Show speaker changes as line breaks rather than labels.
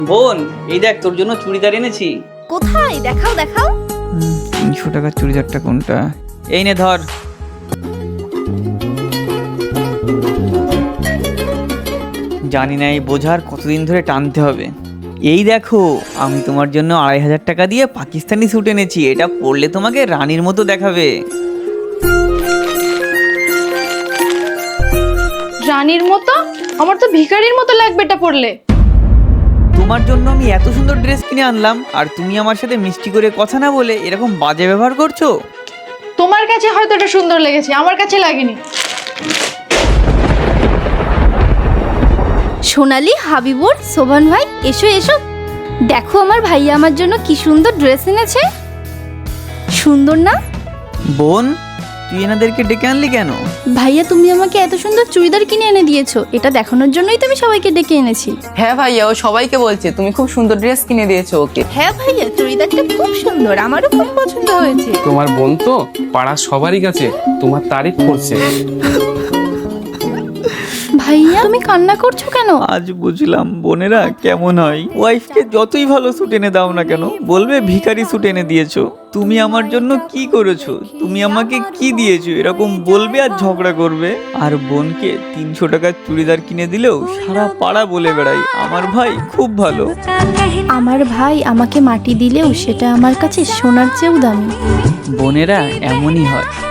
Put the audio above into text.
বোন, এই দেখ তোর জন্য চুড়িদার এনেছি।
কোথায়? দেখাও দেখাও।
300 টাকার চুড়িদারটা কোনটা? এই নে ধর। জানি না এই বোঝার কতদিন ধরে টানতে হবে। এই দেখো, আমি তোমার জন্য 2500 টাকা দিয়ে পাকিস্তানি স্যুট এনেছি। এটা পরলে তোমাকে রানীর মতো দেখাবে।
রানীর মতো? আমার তো ভিখারির মতো লাগবে এটা পরলে।
তোমার জন্য আমি এত সুন্দর ড্রেস কিনে আনলাম, আর তুমি আমার সাথে মিষ্টি করে কথা না বলে এরকম বাজে ব্যবহার করছো।
তোমার কাছে হয়তো এটা সুন্দর লেগেছে, আমার কাছে লাগেনি।
সোনালি, হাবিবুর, শোভন ভাই, এসো এসো। দেখো আমার ভাইয়া আমার জন্য কি সুন্দর ড্রেস এনেছে। সুন্দর না?
বোন, তুই এনাদেরকে ডেকে আনলি কেন?
ভাইয়া তুমি আমাকে এত সুন্দর চুড়িদার কিনে এনে দিয়েছো, এটা দেখানোর জন্যই তো আমি সবাইকে ডেকে এনেছি।
হ্যাঁ ভাইয়া, ও সবাইকে বলছে তুমি খুব সুন্দর ড্রেস কিনে দিয়েছো ওকে।
হ্যাঁ ভাইয়া, চুড়িদারটা খুব সুন্দর, আমারও খুব পছন্দ হয়েছে।
তোমার বোন তো পাড়ার সবারই কাছে তোমার তারিফ করছে।
ভাইয়া তুমি কান্না করছো কেন?
আজ বুঝলাম বোনেরা কেমন হয়। ওয়াইফকে যতই ভালো স্যুট এনে দাও না কেন, বলবে ভিখারি স্যুট এনে দিয়েছো। তুমি আমার জন্য কি করেছো, তুমি আমাকে কি দিয়েছো, এরকম বলবে আর ঝগড়া করবে। আর বোনকে 300 টাকার চুড়িদার কিনে দিলেও সারা পাড়া বলে বেড়াই আমার ভাই খুব ভালো।
আমার ভাই আমাকে মাটি দিলেও সেটা আমার কাছে সোনার চেয়েও দামি।
বোনেরা এমনই হয়।